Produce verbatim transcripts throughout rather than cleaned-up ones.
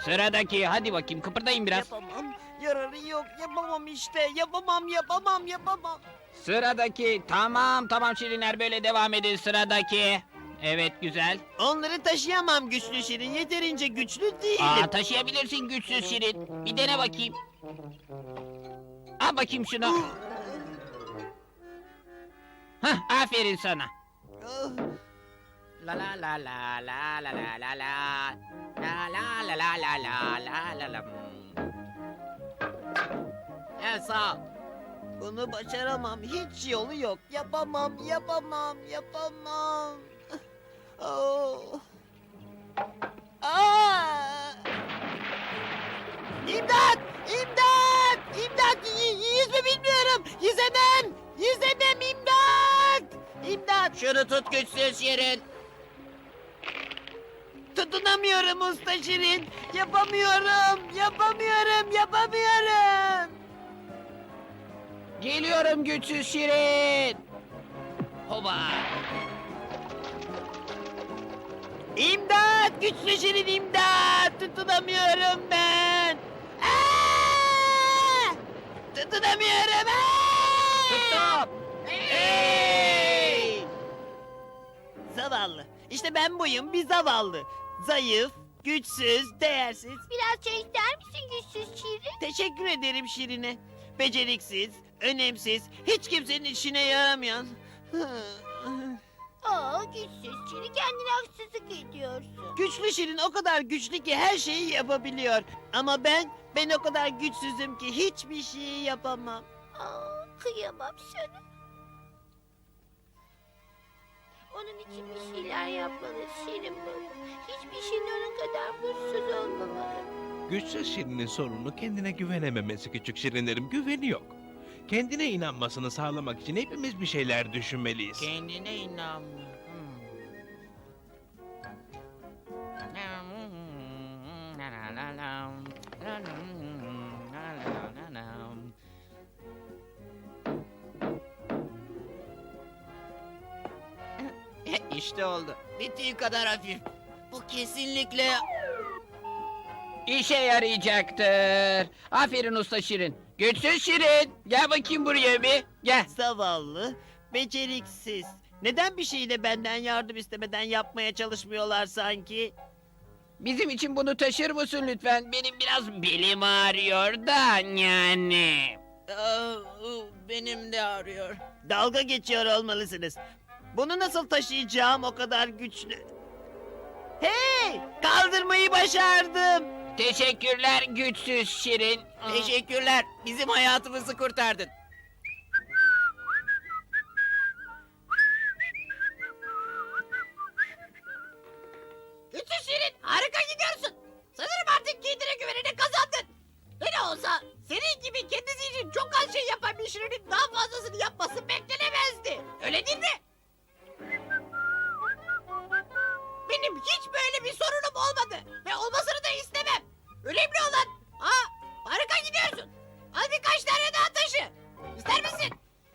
Sıradaki, hadi bakayım kıpırdayın biraz. Yapamam. Yararı yok. Yapamam işte. Yapamam, yapamam, yapamam. Sıradaki, tamam tamam Şirinler, böyle devam edin sıradaki. Evet, güzel. Onları taşıyamam güçlü Şirin. Yeterince güçlü değilim. Aa, taşıyabilirsin güçsüz Şirin. Bir dene bakayım. Al bakayım şunu. Hah, aferin sana. Ah, La la la la la la la la la. La la la la la la la la la. Evet, sağ ol. Bunu başaramam. Hiç yolu yok. Yapamam, yapamam, yapamam. Oh. Aa! İmdat! İmdat! İmdat! Y- yüzme bilmiyorum. Yüzemem. Yüzemem, imdat! İmdat! Şunu tut güçsüz Şirin. Tutunamıyorum usta Şirin. Yapamıyorum. Yapamıyorum. Yapamıyorum. Geliyorum güçsüz Şirin. Hoba. İmdat! Güçlü Şirin imdat! Tutunamıyorum ben! Aa! Tutunamıyorum! Aa! Tuttum. Hey! Zavallı. İşte ben buyum, bir zavallı. Zayıf, güçsüz, değersiz. Biraz çay ister misin güçsüz Şirin? Teşekkür ederim Şirin'e. Beceriksiz, önemsiz, hiç kimsenin işine yaramayan. Aa güçsüz Şirin, kendine haksızlık ediyorsun. Güçlü Şirin o kadar güçlü ki her şeyi yapabiliyor. Ama ben, ben o kadar güçsüzüm ki hiçbir şeyi yapamam. Aa kıyamam sana. Onun için bir şeyler yapmalı Şirin baba. Hiçbir şeyin onun kadar mutsuz olmamalı. Güçsüz Şirin'in sorunu kendine güvenememesi küçük Şirinlerim. Güveni yok. Kendine inanmasını sağlamak için hepimiz bir şeyler düşünmeliyiz. Kendine inanma. İşte oldu. Bittiği kadar hafif. Bu kesinlikle... İşe yarayacaktır. Aferin usta Şirin. Güçsüz Şirin. Gel bakayım buraya bir. Gel. Zavallı, beceriksiz. Neden bir şeyi de benden yardım istemeden yapmaya çalışmıyorlar sanki? Bizim için bunu taşır mısın lütfen? Benim biraz belim ağrıyor da yani. Benim de ağrıyor. Dalga geçiyor olmalısınız. Bunu nasıl taşıyacağım o kadar güçlü? Hey! Kaldırmayı başardım. Teşekkürler güçsüz Şirin. Teşekkürler. Bizim hayatımızı kurtardın. Güçsüz Şirin, harika gidiyorsun. Sanırım artık kendine güvenini kazandın. Ne de olsa senin gibi kendisi için çok az şey yapan bir Şirin'in daha fazlasını yapması beklenemezdi. Öyle değil mi? Benim hiç böyle bir sorunum olmadı ve olmasını da istemem. Önemli olan, aa harika gidiyorsun. Al birkaç tane daha taşı. İster misin?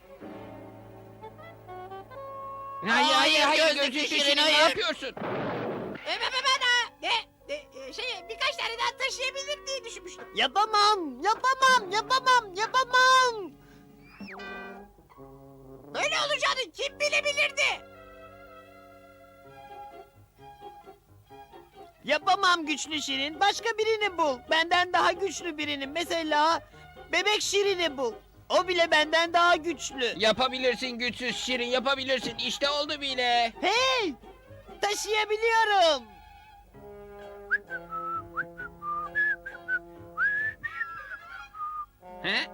Hayır hayır hayır Gözlüklü güçsüz Şirin, Şirin, ne hayır. yapıyorsun? Ben, ben, ben, ha, ne, ne, e, şey, birkaç tane daha taşıyabilir diye düşünmüştüm. Yapamam, yapamam, yapamam, yapamam. Böyle olacağını kim bilebilirdi? Yapamam güçlü Şirin. Başka birini bul. Benden daha güçlü birini. Mesela bebek Şirin'i bul. O bile benden daha güçlü. Yapabilirsin güçsüz Şirin, yapabilirsin. İşte oldu bile. Hey! Taşıyabiliyorum. He?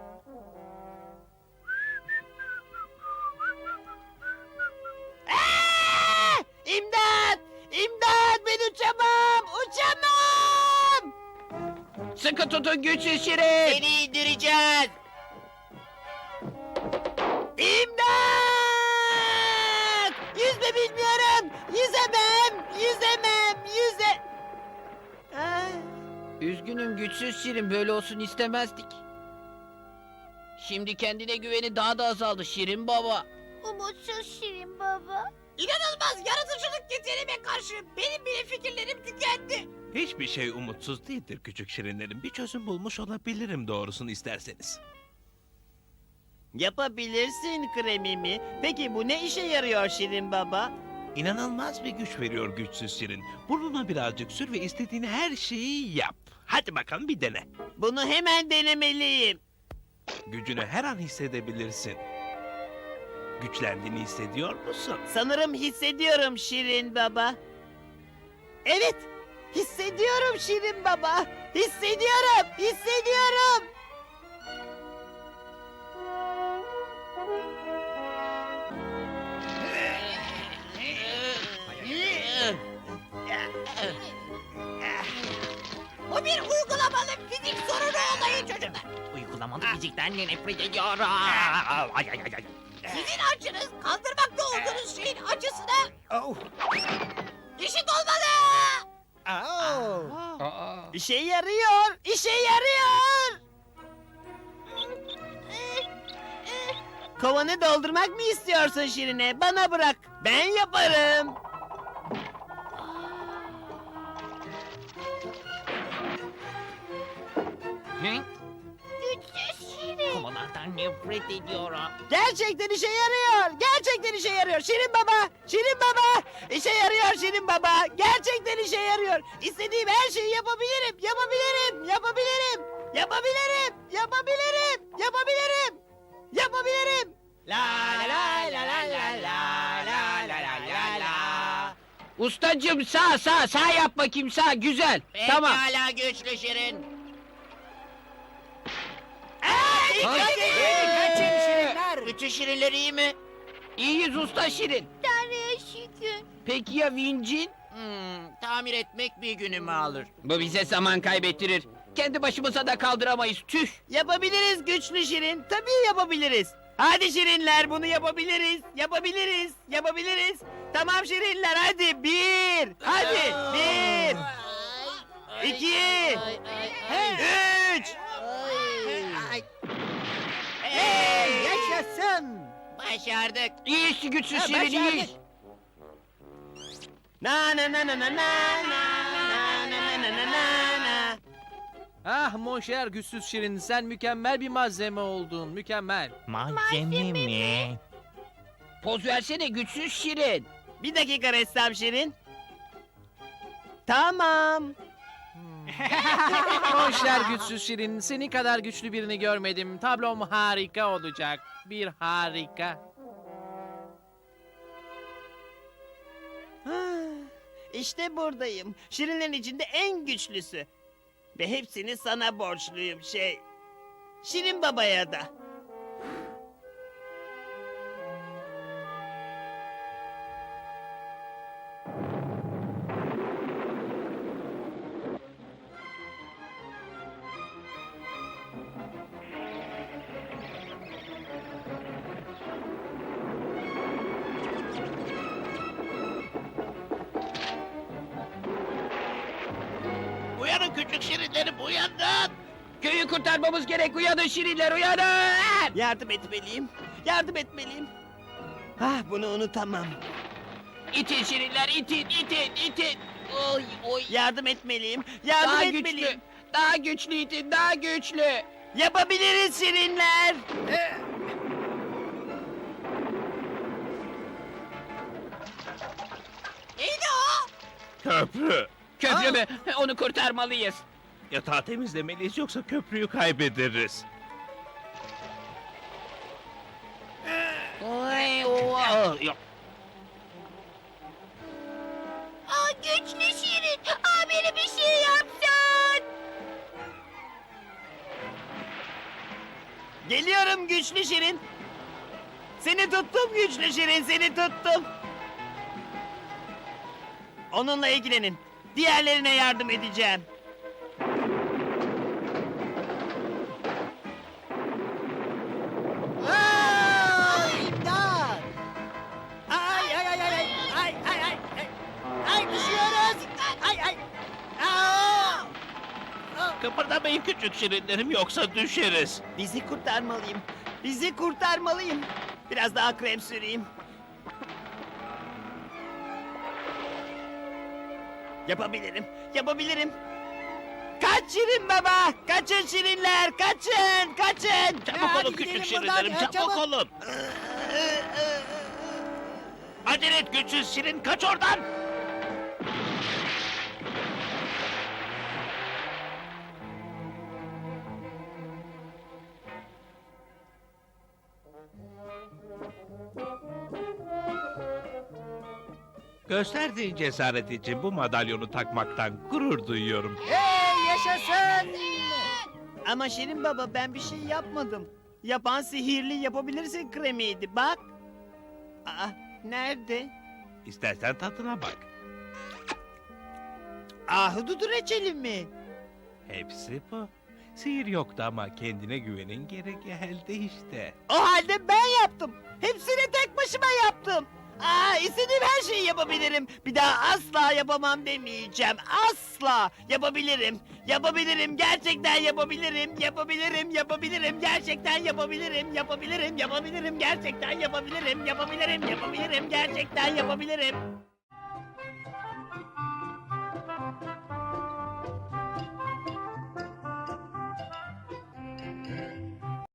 Aa! İmdat! İmdat! Ben uçamam! Uçamam! Sıkı tutun güçsüz Şirin. Seni indireceğiz. İmdat! Yüzme bilmiyorum. Yüzemem. Yüzemem. Yüze... Aa! Üzgünüm güçsüz Şirin, böyle olsun istemezdik. Şimdi kendine güveni daha da azaldı Şirin baba. Umutsuz Şirin baba. İnanılmaz yaratıcılık yeteneğime karşı benim bile fikirlerim tükendi. Hiçbir şey umutsuz değildir küçük şirinlerim. Bir çözüm bulmuş olabilirim doğrusunu isterseniz. Yapabilirsin kremimi. Peki bu ne işe yarıyor Şirin Baba? İnanılmaz bir güç veriyor güçsüz şirin. Burnuna birazcık sür ve istediğin her şeyi yap. Hadi bakalım bir dene. Bunu hemen denemeliyim. Gücünü her an hissedebilirsin. Güçlendiğini hissediyor musun? Sanırım hissediyorum Şirin Baba. Evet, hissediyorum Şirin Baba. Hissediyorum, hissediyorum. Bu bir uygulamalı fizik sorunu olayı çocuklar. Uygulamalı fizikten de nefret ediyorum. Ay ay ay ay. Sizin açınız kaldırmakta olduğunuz şeyin açısına Oh. eşit olmalı. Oh. İşe yarıyor, işe yarıyor. Kovanı doldurmak mı istiyorsun Şirine? Bana bırak, ben yaparım. Güçsüz Şirin. Kovalardan nefret ediyorum. Gerçekten işe yarıyor. Gerçekten işe yarıyor. Şirin Baba, Şirin Baba. İşe yarıyor Şirin Baba. Gerçekten işe yarıyor. İstediğim her şeyi yapabilirim. Yapabilirim. Yapabilirim. Yapabilirim. Yapabilirim. Yapabilirim. Yapabilirim. La la la la la la la la la la la. Ustacım sağ sağ sağ yap bakayım sağ güzel. Tamam. Pekala güçlü şirin. Kaçın şirinler. Bütün şirinler iyi mi? İyiyiz usta şirin. Tanrı'ya şükür. Peki ya vincin? Hmm, tamir etmek bir günümü alır. Bu bize zaman kaybettirir. Kendi başımıza da kaldıramayız tüh. Yapabiliriz güçlü Şirin. Tabii yapabiliriz. Hadi Şirinler bunu yapabiliriz. Yapabiliriz. Yapabiliriz. Tamam Şirinler hadi bir. Hadi bir. İki. Üç. Hey, yaşasın. Başardık. İyi iş güçsüz Ha, şirin iyi başardık. iş. Na na na na na na na na na na na na na. Ah Monşer güçsüz şirin sen mükemmel bir malzeme oldun mükemmel. Malzeme mi? Poz versene güçsüz şirin. Bir dakika ressam Şirin. Tamam. Monşer güçsüz şirin seni kadar güçlü birini görmedim. Tablom harika olacak. Bir harika. Ah, İşte buradayım. Şirinlerin içinde en güçlüsü. Ve hepsini sana borçluyum şey. Şirin Baba'ya da. Uyanın küçük şirinlerim uyanın. Köyü kurtarmamız gerek uyanın şirinler uyanın. Yardım etmeliyim. Yardım etmeliyim. Ah bunu unutamam. İtin şirinler itin itin itin. Oy oy. Yardım etmeliyim. Yardım Daha etmeliyim. güçlü. Daha güçlü itin daha güçlü. Yapabiliriz Şirinler. Neydi o? Köprü. Köprü mü? Onu kurtarmalıyız. Yatağı temizlemeliyiz yoksa köprüyü kaybederiz. Oy, oy. Yok. Aa, güçlü Şirin. Aa, beni bir şey yapsan. Geliyorum güçlü Şirin. Seni tuttum güçlü Şirin, seni tuttum. Onunla ilgilenin. Diğerlerine yardım edeceğim. Aa, imdat! Ay ay ay ay ay ay ay ay ay ay düşüyoruz. Ay ay. Aa! Kıpırdamayın küçük şirinlerim yoksa düşeriz. Bizi kurtarmalıyım. Bizi kurtarmalıyım. Biraz daha krem süreyim. Yapabilirim, yapabilirim. Kaç Şirin Baba! Kaçın Şirinler, kaçın, kaçın! Çabuk Hadi olun küçük gidelim buradan, şirinlerim, ya, çabuk çabuk. olun. Acele et güçsüz şirin, kaç oradan. Gösterdiğin cesaret için bu madalyonu takmaktan gurur duyuyorum. Hey yaşasın! Ama Şirin Baba ben bir şey yapmadım. Yapan sihirli yapabilirsin kremiydi bak. Aa, nerede? İstersen tadına bak. Ahududu reçeli mi? Hepsi bu. Sihir yoktu ama kendine güvenin geri geldi işte. O halde ben yaptım. Hepsini tek başıma yaptım. Aa, istediğim her şeyi yapabilirim. Bir daha asla yapamam demeyeceğim. Asla yapabilirim. Yapabilirim. Gerçekten yapabilirim. Yapabilirim. Yapabilirim. Gerçekten yapabilirim. Yapabilirim. Yapabilirim. Gerçekten yapabilirim. Yapabilirim. Yapabilirim. Gerçekten yapabilirim.